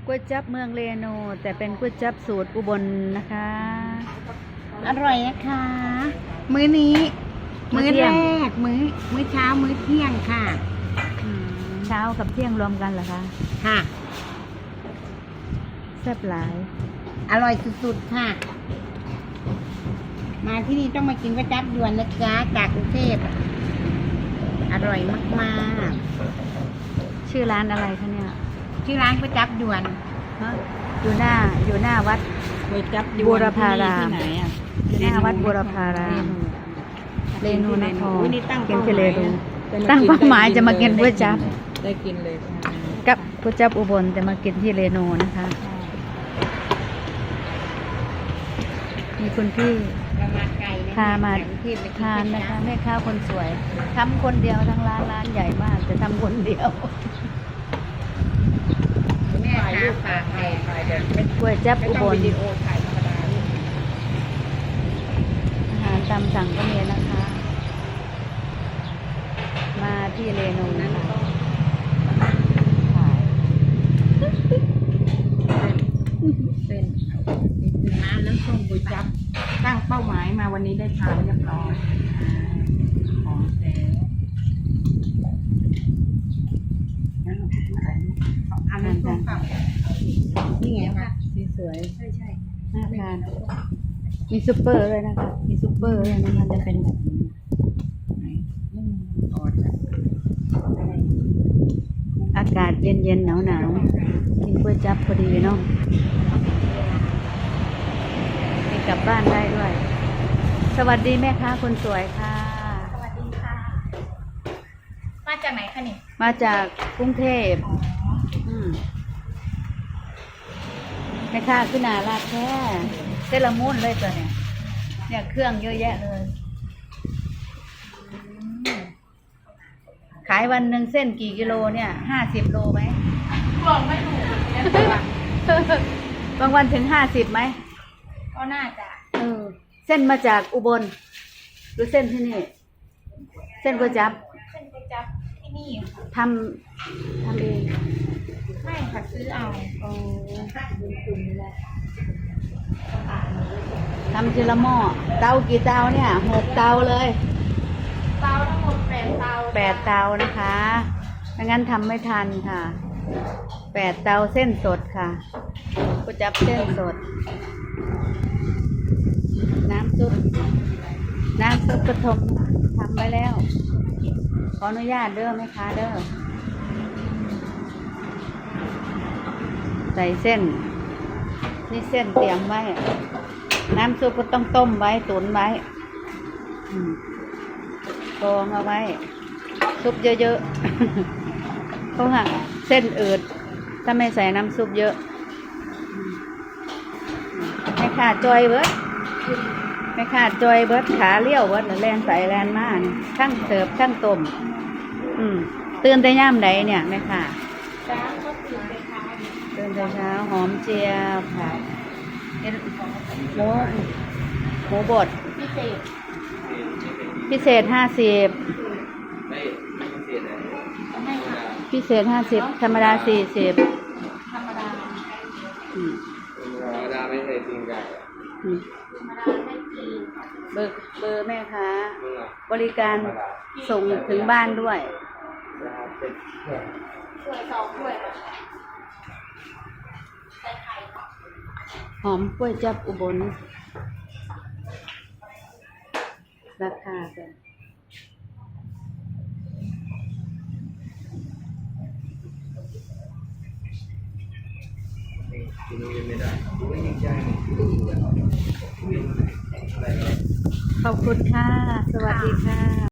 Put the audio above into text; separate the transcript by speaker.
Speaker 1: ก๋วยจั๊บเมืองเรโนแต่เป็นก๋วยจั๊บสูตรอุบลนะคะ
Speaker 2: อร่อยนะคะ มื้อนี้ มื้อแรก มื้อเช้า มื้อเที่ยงค่ะ
Speaker 1: เช้ากับเที่ยงรวมกันเหรอคะ
Speaker 2: ค่ะ
Speaker 1: แซ่บหลาย
Speaker 2: อร่อยสุดๆค่ะ มาที่นี่ต้องมากินก๋วยจั๊บยวนนะจ๊ะจากกรุงเทพอร่อยมากๆ
Speaker 1: ชื่อร้านอะไรคะเนี่ย
Speaker 2: ชื่อร้านก๋วยจั๊บยวน
Speaker 1: ฮะอยู่หน้าวัด
Speaker 2: ก๋วยจั๊บย
Speaker 1: บู
Speaker 2: วน
Speaker 1: รพาราม
Speaker 2: ที่ไหนอ่ะ
Speaker 1: อยู่หน้าวัดบูรพารามเรนูนคร
Speaker 2: อุ๊ยนี่ตั้ง
Speaker 1: กิน
Speaker 2: เป้า
Speaker 1: ที่
Speaker 2: ห
Speaker 1: เร
Speaker 2: มาย
Speaker 1: นู
Speaker 2: นะ
Speaker 1: ตั้งเป้าหมายจะมากินก๋วยจั๊บ
Speaker 2: ได้กินเลยค่ะ
Speaker 1: กับก๋วยจั๊บอุบลแต่มากินที่เรนูนะคะมีคุณพี่
Speaker 2: มาไกลนะ
Speaker 1: พามา
Speaker 2: จากกรุงเทพไปกิ
Speaker 1: ทาน
Speaker 2: ก๋วย
Speaker 1: นะ
Speaker 2: จั๊
Speaker 1: คะ
Speaker 2: บ
Speaker 1: แม่ค้าคนสวยทำคนเดียวทั้งร้านใหญ่มากแต่ทำคนเดียว
Speaker 2: แม่ค้าปากแดง
Speaker 1: เป็นก๋วยจั๊บอุบล
Speaker 2: วิดีโอถ่ายธรรมดาลูก
Speaker 1: อาหารตามสั่งก็มีนะคะ มาที่เรนูนะคะ
Speaker 2: เป็นน้ำน้ำส้มก๋วยจั๊บตั้งเป้าหมายมาวันนี้ได้ทานเรียบร้อยของแท้งั้นเราถ่ายรูปอันนั้นส้มเปล่านี่ไงคะ
Speaker 1: สีสวย
Speaker 2: ใช่ใช่
Speaker 1: น่าทานมีซุปเปอร์เลยนะคะมีซุปเปอร์เลยนะคะจะเป็นแบบนี้
Speaker 2: ไหนอ๋อจ้ะ
Speaker 1: อากาศเย็นๆหนาวๆกินก๋วยจั๊บพอดีเนาะไปกลับบ้านได้ด้วย สวัสดีแม่ค้าคนสวยค่ะ
Speaker 3: สวัสดีค่ะ มาจากไหนคะนี่
Speaker 1: มาจากกรุงเทพมแม่ค้าขึ้นหนาลาดแท้เซรามุนเลยตัวเนี่ยเครื่องเยอะแยะเลยขายวันหนึ่งเส้นกี่กิโลเนี่ย50 โลไหม
Speaker 3: บอกไม่ถูกนะ
Speaker 1: บางวันถึง50ไหม
Speaker 3: ก็น่าจะ
Speaker 1: เส้นมาจากอุบลหรือเส้นที่นี่ เส้นก๋วยจั๊บ
Speaker 3: เป็นไปจับที่นี่ค่ะ
Speaker 1: ทำเอง
Speaker 3: ไม่ค่ะซื้อเอา
Speaker 1: ทำทีละหม้อเตากี่เตาเนี่ย6 เตาเลย
Speaker 3: เตาทั้งหมด8 เตา
Speaker 1: 8 เตานะคะไม่งั้นทำไม่ทันค่ะ8 เตาเส้นสดค่ะก๋วยจั๊บเส้นสด น้ำซุปกระทมทำไว้แล้ว ขออนุญาตเด้อไหมคะเด้อใส่เส้น นี่เส้นเตรียมไว้ น้ำซุปก็ต้องต้มไว้ตุ๋นไว้กรองเอาไว้ ซุปเยอะๆ เพราะว่าเส้นอืดถ้าไม่ใส่น้ำซุปเยอะไม่ขาดจอยเบิดไม่ขาดจอยเบิดขาเลี้ยวเบิดแลนใส่แลนมานี่ช่างเสิร์ฟช่างต้มตื่นแต่ย่ามใดเนี่ยแม่ค่ะ
Speaker 3: จ้าก็ตื่นไปทาน
Speaker 1: ตื่นแต่เช้าหอมเจียวค่ะหมูบด
Speaker 3: พิเศษ
Speaker 1: พิเศษ50
Speaker 3: ให้ค่ะ
Speaker 1: พิเศษ50ธรรมดา40
Speaker 3: ธรรมดา
Speaker 1: อืม
Speaker 4: ธรรมดาไม่เคยกินไก่
Speaker 1: อืม
Speaker 3: ธรรมดาไม่กิน
Speaker 1: เบอร์แม่ค้า
Speaker 4: มึงอ่ะ
Speaker 1: บริการ
Speaker 4: ธรรมดา
Speaker 1: ส่งถึงบ้านด้วย
Speaker 4: นะครับเป็นเพื่อน
Speaker 3: ถ้วย2 ถ้วยค่ะใส่ไข่ค่ะ
Speaker 1: หอมกล้วยจับอุบลราคากัน
Speaker 4: กินไม่ได้ไม่ยิ่งใจ
Speaker 1: ขอบคุณค่ะ สวัสดีค่ะ